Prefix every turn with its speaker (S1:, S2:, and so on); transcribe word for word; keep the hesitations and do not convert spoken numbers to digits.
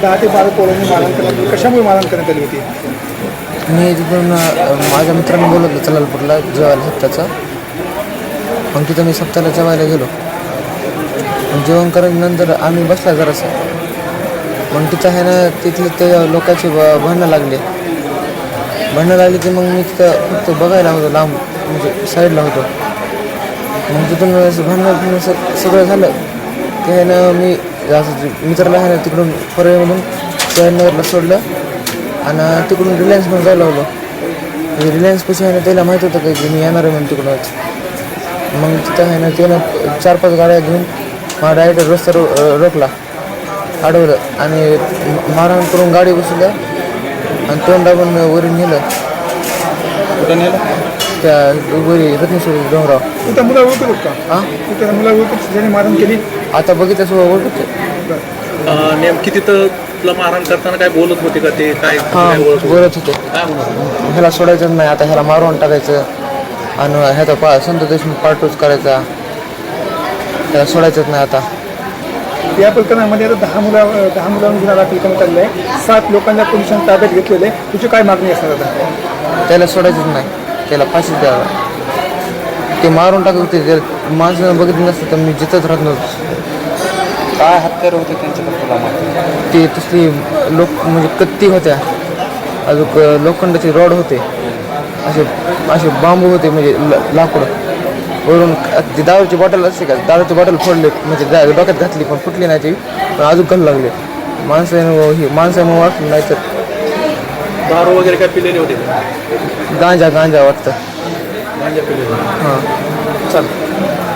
S1: दहा ते बारा पोरांनी मारहाण करण्यात आली. कशामुळे मारहाण करण्यात आली होती?
S2: मी तिथून अ, माझ्या मित्रांनी बोलवलं चलालपूरला जेवायला सप्त्याचा. मग तिथं मी सप्त्याला जेवायला गेलो. मग जेवण करायच्यानंतर आम्ही बसला जरासं. मग तिथं आहे ना तिथले ते लोकांचे ब भांडणं लागले भांडणं लागली की मग मी तिथं फक्त बघायला होतो लांब, म्हणजे साईडला होतो. मग तिथून असं भांडणं बिंडणं स सगळं झालं ते आहे ना मी असं मित्राला आहे ना तिकडून परळीमधून शहानगरला सोडलं आणि तिकडून रिलायन्समध्ये जायला लावलं. म्हणजे रिलायन्सपाशी आहे ना त्याला माहीत होतं का की मी येणार आहे म्हणून तिकडूनच. मग तिथं आहे ना त्यानं चार पाच गाड्या घेऊन मला डायरेक्ट रस्ता रो रोखला अडवलं आणि मारहाण करून गाडी बसवलं आणि तोंड दाबून वरून नेलं.
S3: कुठं नेलं?
S2: त्या वरी रत्नेश्वर डोंगराव.
S1: तू त्या मुला ओळखत का?
S2: हां
S1: तू त्या मुला ओळखत ज्याने मारहाण केली?
S2: आता बघितलं सगळं ओळखते.
S3: अं, नेमकी तिथं तुला मारहाण करताना काय बोलत होते का ते काय
S2: हां
S3: काय बोलत होते?
S2: बोलत होते
S3: काय म्हणत होते?
S2: ह्याला सोडायचं नाही, आता ह्याला मारून टाकायचं आणि ह्याचा पा संत देशमुख पार्टूच करायचा, ह्याला सोडायचंच नाही आता.
S1: या प्रकरणामध्ये आता दहा मुला दहा मुलांवर गुन्हा दाखल करण्यात आलेला आहे. सात लोकांना पोलिसांनी ताब्यात घेतलेलं आहे. तुझी काय मागणी असणार आता?
S2: त्याला सोडायचंच नाही, त्याला फाशीच द्यावा. ते मारून टाकत होते, जर माणसानं बघितलं नसतं तर मी जिथंच राहत नव्हतो.
S3: काय हत्यार होते त्यांच्याकडे तुला माहिती?
S2: ते तसली लोक म्हणजे कत्ती होत्या, अजून लोखंडाचे रॉड होते, असे असे बांबू होते म्हणजे ल लाकूड वरून. ती दारूची बॉटल असते का, दारूची बॉटल फोडले म्हणजे दा डोक्यात घातली पण फुटली नाही ती, पण अजून घालू लागले. माणसानं ही माणसानं वाटलं नाही तर
S3: दारू वगैरे काय पिलेले होते का?
S2: गांजा गांजा वाटतं.
S3: गांजा पिलेले.
S2: हां
S3: चाल